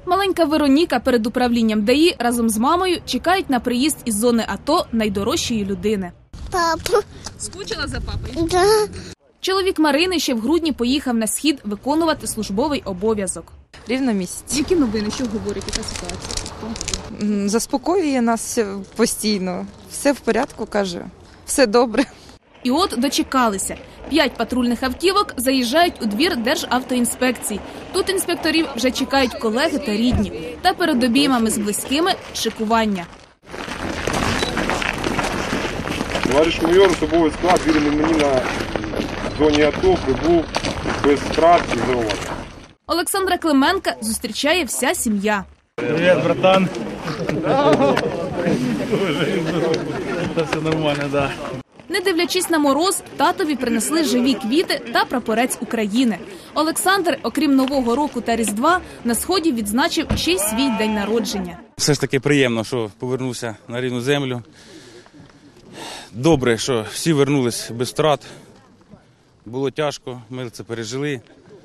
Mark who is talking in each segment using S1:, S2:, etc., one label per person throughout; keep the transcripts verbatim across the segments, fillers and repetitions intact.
S1: Маленька Вероніка перед управлінням ДАІ разом з мамою чекають на приїзд із зони АТО найдорожчої людини.
S2: Папа.
S1: Скучила за папою?
S2: Да.
S1: Чоловік Марини ще в грудні поїхав на схід виконувати службовий обов'язок.
S3: Рівно місяць.
S1: Які новини, що говорить, яка ситуація?
S3: Заспокоює нас постійно. Все в порядку, каже. Все добре.
S1: І от дочекалися. П'ять патрульних автівок заїжджають у двір Державтоінспекції. Тут інспекторів вже чекають колеги та рідні. Та перед обіймами з близькими – шикування.
S4: Товариш майор, особовий склад, вірений мені на зоні АТО, прибув без втрат і зауважень.
S1: Олександра Клименка зустрічає вся сім'я.
S5: Привіт, братан. Все нормально, так.
S1: Не дивлячись на мороз, татові принесли живі квіти та прапорець України. Олександр, окрім Нового року та Різдва, на Сході відзначив ще й свій день народження.
S6: Все ж таки приємно, що повернувся на рідну землю. Добре, що всі повернулись без втрат. Було тяжко, ми це пережили.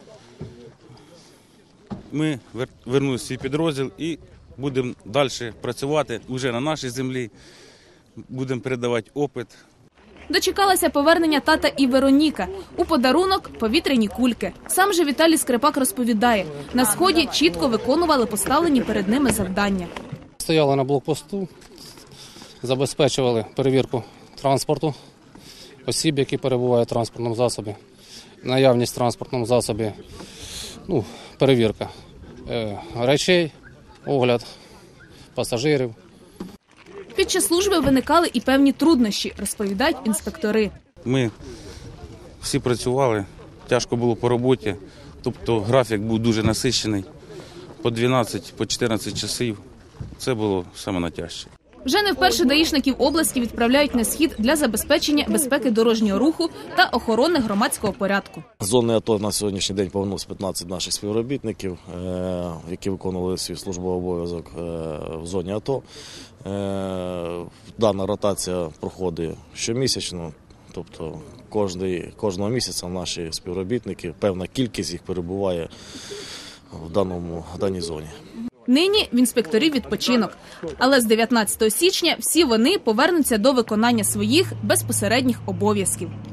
S6: Ми повернулися в свій підрозділ і будемо далі працювати вже на нашій землі. Будемо передавати опит.
S1: Дочекалася повернення тата і Вероніка. У подарунок – повітряні кульки. Сам же Віталій Скрипак розповідає, на Сході чітко виконували поставлені перед ними завдання.
S7: Стояли на блокпосту, забезпечували перевірку транспорту, осіб, які перебувають в транспортному засобі, наявність в транспортному засобі, ну, перевірка е, речей, огляд пасажирів.
S1: Під час служби виникали і певні труднощі, розповідають інспектори.
S6: Ми всі працювали, тяжко було по роботі, тобто графік був дуже насичений, по дванадцять, по чотирнадцять часів. Це було саме найтяжче.
S1: Вже не вперше даїшників області відправляють на Схід для забезпечення безпеки дорожнього руху та охорони громадського порядку.
S8: З зони АТО на сьогоднішній день повернулося п'ятнадцять наших співробітників, які виконували свій службовий обов'язок в зоні АТО. Дана ротація проходить щомісячно, тобто кожного місяця наші співробітники, певна кількість їх перебуває в даному, в даній зоні.
S1: Нині в інспекторів відпочинок. Але з дев'ятнадцятого січня всі вони повернуться до виконання своїх безпосередніх обов'язків.